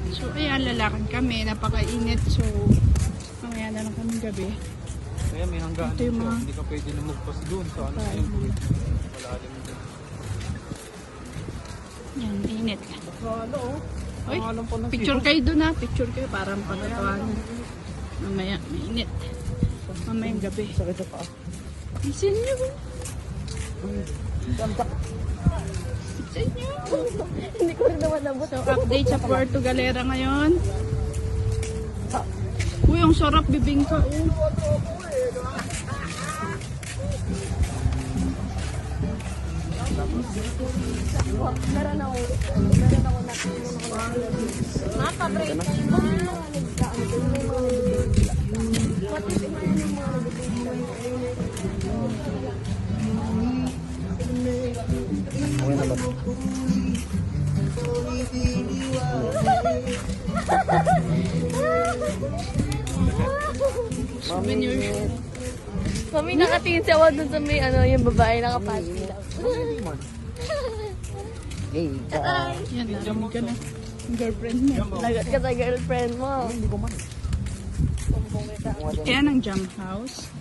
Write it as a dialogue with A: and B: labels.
A: So, ayan, lalakad kami. Napakainit. So, mamaya na lang kami gabi.
B: Kaya may hanggaan
A: Ito yung
B: siya.
A: mga-
B: Hindi ka pwede lumagpas doon sa ano sa yung malalim doon.
A: Yan, init.
B: Ano oh?
A: Oy,
B: Pangalan pa ng
A: picture kayo dun ha. Picture kayo para pagkatawanan. Mamaya, mainit. Mamayang gabi.
B: Sakit sa paa.
A: Isin nyo.
B: Santak.
A: Isin nyo.
C: Hindi ko rin naman nabot.
A: So, update sa Puerto Galera ngayon. Uy, ang sarap bibingka.
C: Meron ako nakatulong ako. Nakabreak tayo ba? Nagkaan ko yung mga nag-break. Pati yung mga
B: Okay na ba?
A: Souvenir.
C: Mami, nakatingin si Awad dun sa may ano, yung babae nakapati lang.
B: Hey,
A: Yan, narinig ka na. Yung girlfriend mo.
C: Lagat ka sa girlfriend mo.
B: hindi ko man.
A: Yan ang jam house.